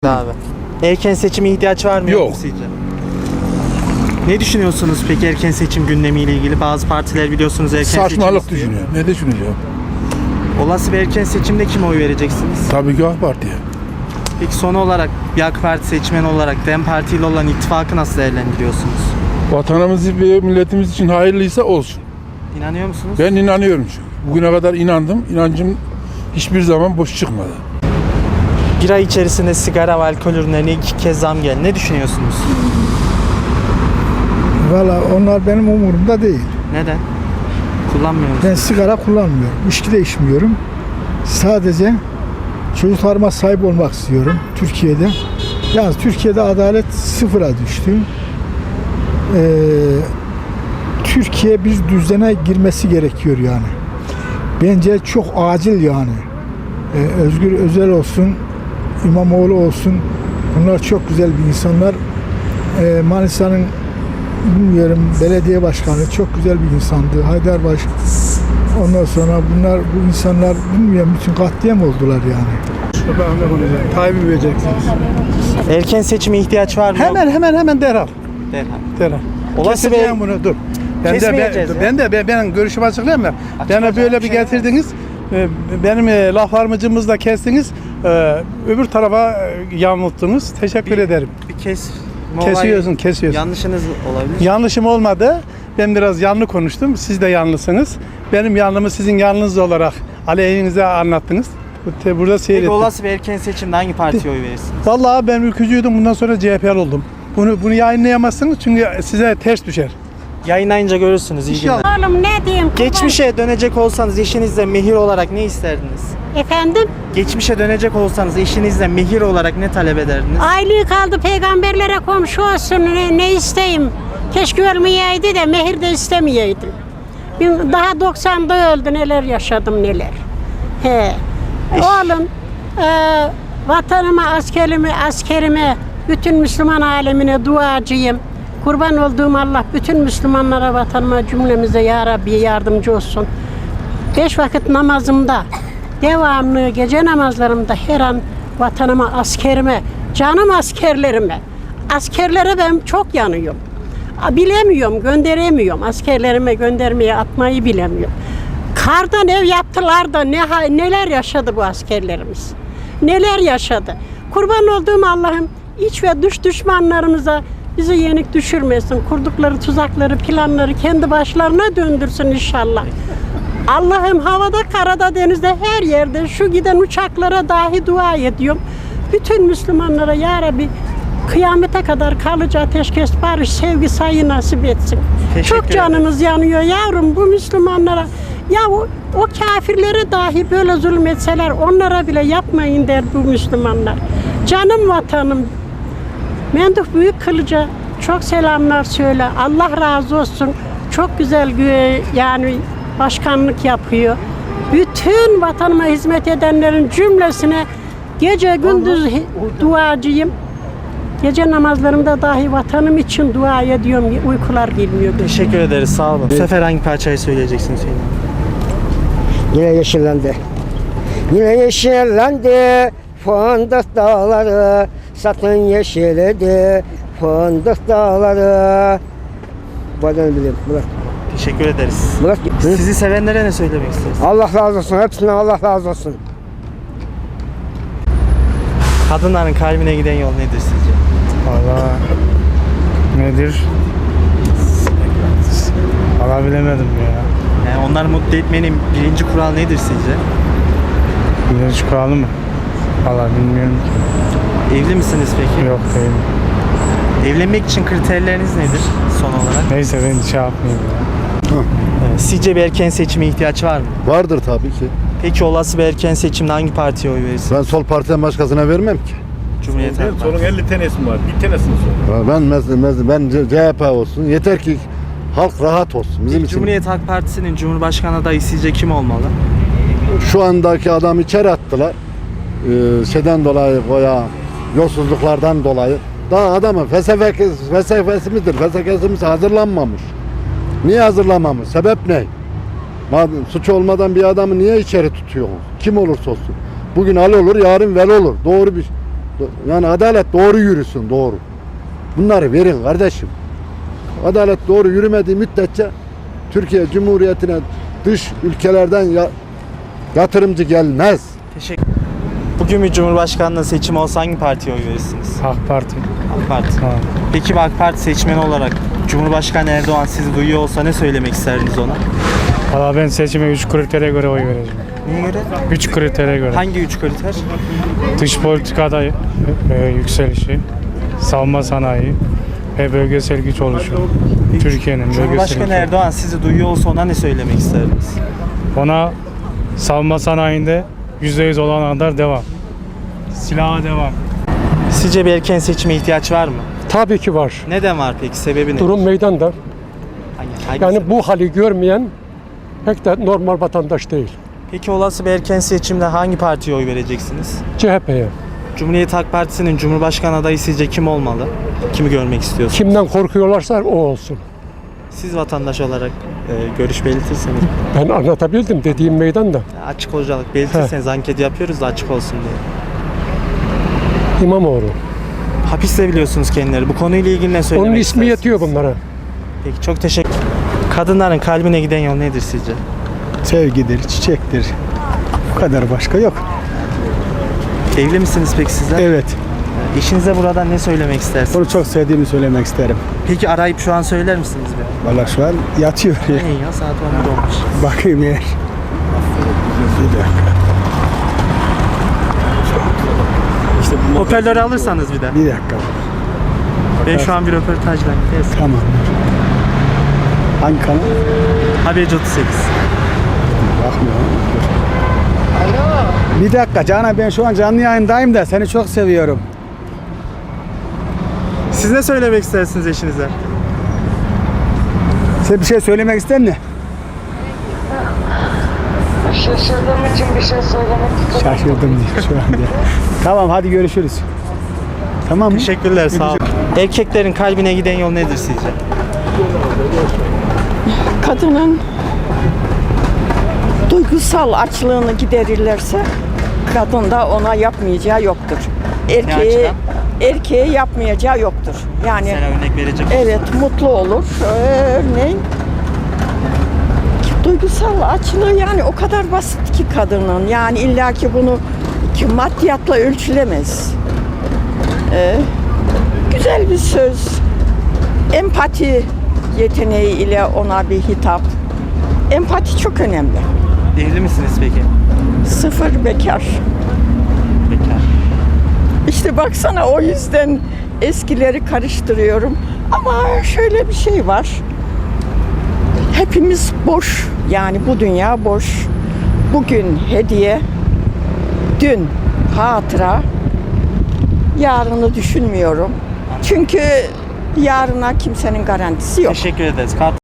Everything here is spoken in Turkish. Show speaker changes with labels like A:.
A: Abi. Erken seçime ihtiyaç var mı
B: Yok.
A: mu sizce? Ne düşünüyorsunuz peki erken seçim gündemiyle ilgili? Bazı partiler biliyorsunuz erken seçim
B: Saçmalık
A: istiyor.
B: düşünüyor. Ne düşüneceğim?
A: Olası bir erken seçimde kime oy vereceksiniz?
B: Tabii ki AK Parti'ye.
A: Peki son olarak bir AK Parti seçmeni olarak DEM Parti ile olan ittifakı nasıl değerlendiriyorsunuz?
B: Vatanımız ve milletimiz için hayırlıysa olsun.
A: İnanıyor musunuz?
B: Ben inanıyorum çünkü. Bugüne kadar inandım. İnancım hiçbir zaman boş çıkmadı.
A: Bir ay içerisinde sigara ve alkol ürünlerine 2 kez zam geldi. Ne düşünüyorsunuz?
C: Valla onlar benim umurumda değil.
A: Neden? Kullanmıyor musunuz?
C: Ben sigara kullanmıyorum. İçki de içmiyorum. Sadece çocuklarıma sahip olmak istiyorum Türkiye'de. Yalnız Türkiye'de adalet sıfıra düştü. Türkiye bir düzene girmesi gerekiyor yani. Bence çok acil yani. Özgür Özel olsun, İmamoğlu olsun. Bunlar çok güzel bir insanlar. Manisa'nın bilmiyorum belediye başkanı çok güzel bir insandı. Haydarbaş. Ondan sonra bu insanlar bilmiyorum bütün katliam oldular yani.
D: Tayyip'i vereceksiniz.
A: Erken seçime ihtiyaç var mı?
D: Hemen derhal.
A: Derhal. Olası bir
D: Keseceğim bunu dur.
A: Kesmeyeceğiz ya.
D: Ben görüşümü açıklayayım mı? Bana böyle bir
A: şey
D: getirdiniz. Benim laflarımı kestiniz. Öbür tarafa yanılttınız. Teşekkür ederim.
A: Bir
D: Kesiyorsun.
A: Yanlışınız olabilir.
D: Yanlışım olmadı. Ben biraz yanlı konuştum. Siz de yanlısınız. Benim yanlımı sizin yanlınız olarak aleyhinize anlattınız. Burada
A: Peki
D: seyrettim.
A: olası bir erken seçimde hangi partiye oy verirsiniz?
D: Vallahi ben ülkücüydüm. Bundan sonra CHP'li oldum. Bunu yayınlayamazsınız çünkü size ters düşer.
A: Yayınlayınca görürsünüz. İyi günler.
E: Oğlum ne diyeyim?
A: Geçmişe dönecek olsanız eşinizle mehir olarak ne isterdiniz?
E: Efendim?
A: Geçmişe dönecek olsanız eşinizle mehir olarak ne talep ederdiniz?
E: Aylığı kaldı peygamberlere komşu olsun. Ne isteyeyim? Keşke ölmeyeydi de mehir de istemeyeydim. Daha 90'da öldü, neler yaşadım neler. He. Oğlum vatanıma, askerime, bütün Müslüman alemine duacıyım. Kurban olduğum Allah bütün Müslümanlara, vatanıma, cümlemize ya Rabbi yardımcı olsun. 5 vakit namazımda, devamlı gece namazlarımda her an vatanıma, askerime, canım askerlere ben çok yanıyorum. Bilemiyorum, gönderemiyorum. Askerlerime göndermeye, atmayı bilemiyorum. Kardan ev yaptılar da neler yaşadı bu askerlerimiz. Neler yaşadı. Kurban olduğum Allah'ım iç ve dış düşmanlarımıza bizi yenik düşürmesin. Kurdukları tuzakları, planları kendi başlarına döndürsün inşallah. Allah'ım havada, karada, denizde, her yerde şu giden uçaklara dahi dua ediyorum. Bütün Müslümanlara ya Rabbi kıyamete kadar kalıcı ateşkes, barış, sevgi, sayı nasip etsin. Çok canımız yanıyor yavrum bu Müslümanlara. Ya o kafirlere dahi böyle zulmetseler onlara bile yapmayın der bu Müslümanlar. Canım vatanım. Menduh Büyük Kılıç'a çok selamlar söyle. Allah razı olsun. Çok güzel yani başkanlık yapıyor. Bütün vatanıma hizmet edenlerin cümlesine gece gündüz duacıyım. Gece namazlarımda dahi vatanım için dua ediyorum. Uykular gelmiyor.
A: Teşekkür ederiz. Sağ olun. Bu sefer hangi parçayı söyleyeceksiniz Hüseyin?
F: Yine yeşillendi. Yine yeşillendi fındık dağları, satın yeşilledi fındık dağları. Bu adını biliyorum. Murat.
A: Teşekkür ederiz.
F: Murat.
A: Sizi sevenlere ne söylemek istersiniz?
F: Allah razı olsun. Hepsinden Allah razı olsun.
A: Kadınların kalbine giden yol nedir sizce?
G: Valla nedir? Valla bilemedim ya.
A: Yani onları mutlu etmenin birinci kural nedir sizce?
G: Birinci kuralı mı? Valla bilmiyorum ki.
A: Evli misiniz peki?
G: Yok değilim.
A: Evlenmek için kriterleriniz nedir son olarak?
G: Neyse ben şey yapmayayım ya.
A: Sizce bir erken seçime ihtiyaç var mı?
H: Vardır tabii ki.
A: Peki olası bir erken seçimde hangi partiye oy verirsiniz?
H: Ben sol partiden başkasına vermem ki.
A: Cumhuriyet Halk Partisi.
B: Solun 50 tanesi var. Bir tanesini sor.
H: Ben CHP olsun. Yeter ki halk rahat olsun. Bizim için.
A: Cumhuriyet Halk Partisi'nin Cumhurbaşkanı adayı sizce kim olmalı?
H: Şu andaki adamı içeri attılar. Şeyden dolayı veya yolsuzluklardan dolayı. Daha adamın felsefesi hazırlanmamış. Niye hazırlanmamış? Sebep ne? Suç olmadan bir adamı niye içeri tutuyor? Kim olursa olsun. Bugün al olur, yarın vel olur. Yani adalet doğru yürüsün, doğru. Bunları verin kardeşim. Adalet doğru yürümediği müddetçe Türkiye Cumhuriyeti'ne dış ülkelerden yatırımcı gelmez.
A: Teşekkür. Bugün bir Cumhurbaşkanlığı seçimi olsa hangi partiye oy verirsiniz?
G: AK Parti.
A: AK Parti.
G: Ha.
A: Peki AK Parti seçmeni olarak Cumhurbaşkanı Erdoğan sizi duyuyor olsa ne söylemek isterdiniz ona?
G: Valla ben seçime 3 kritere göre oy vereceğim.
A: Neye göre?
G: 3 kritere göre.
A: Hangi 3 kriter?
G: Dış politikada yükselişi, savunma sanayi ve bölgesel güç oluşumu. Türkiye'nin bölgesel
A: Cumhurbaşkanı
G: gücü.
A: Erdoğan sizi duyuyor olsa ona ne söylemek isterdiniz?
G: Ona savunma sanayinde %100 olan kadar devam. Silaha devam.
A: Sizce bir erken seçime ihtiyaç var mı?
I: Tabii ki var.
A: Neden var peki? Sebebi ne?
I: Durum meydanda.
A: Hangi
I: Yani
A: sebep?
I: bu hali görmeyen pek de normal vatandaş değil.
A: Peki olası bir erken seçimde hangi partiye oy vereceksiniz?
I: CHP'ye.
A: Cumhuriyet Halk Partisi'nin Cumhurbaşkanı adayı sizce kim olmalı? Kimi görmek istiyorsunuz?
I: Kimden korkuyorlarsa o olsun.
A: Siz vatandaş olarak görüş belirtirseniz,
I: Ben anlatabildim dediğim meydanda.
A: açık olarak belirtirseniz anket yapıyoruz da açık olsun diye.
I: İmamoğlu.
A: Hapiste biliyorsunuz kendileri. Bu konuyla ilgili ne söylemek
I: Onun ismi
A: istersiniz?
I: yetiyor bunlara.
A: Peki çok teşekkür. Kadınların kalbine giden yol nedir sizce?
C: Sevgidir, çiçektir. Bu kadar başka yok.
A: Evli misiniz peki sizler?
C: Evet.
A: Eşinize buradan ne söylemek istersiniz?
C: Onu çok sevdiğimi söylemek isterim.
A: Peki arayıp şu an söyler misiniz bir?
C: Valla şu an yatıyor.
A: İyi ya saat 11 olmuş.
C: Bakayım eğer.
A: Hoparlörü alırsanız bir de.
C: Bir dakika.
A: Ben şu an bir röportajdayım. Yes.
C: Tamam. Hangi kanal?
A: Haberci 38.
C: Bakmıyorum. Bir dakika Canan, ben şu an canlı yayındayım da seni çok seviyorum.
A: Siz ne söylemek istersiniz eşinize?
C: Sen bir şey söylemek ister misin?
F: Şaşırdığım için bir şey söylemek istedim.
C: Şaşırdım diyor şu anda. Tamam hadi görüşürüz. Tamam mı?
A: Teşekkürler sağ olun. Erkeklerin kalbine giden yol nedir sizce?
J: Kadının duygusal açlığını giderirlerse kadın da ona yapmayacağı yoktur.
A: açıdan?
J: Erkeğe yapmayacağı yoktur. Yani
A: Mesela örnek verecek
J: evet mutlu olur. Örneğin duygusal açlığı yani o kadar basit ki kadının. Yani illaki bunu ki maddiyatla ölçülemez. Güzel bir söz, empati yeteneği ile ona bir hitap. Empati çok önemli.
A: Evli misiniz peki?
J: Sıfır bekar.
A: Bekar.
J: İşte baksana o yüzden eskileri karıştırıyorum. Ama şöyle bir şey var. Hepimiz boş. Yani bu dünya boş. Bugün hediye, dün hatıra, yarını düşünmüyorum. Çünkü yarına kimsenin garantisi yok.
A: Teşekkür ederiz.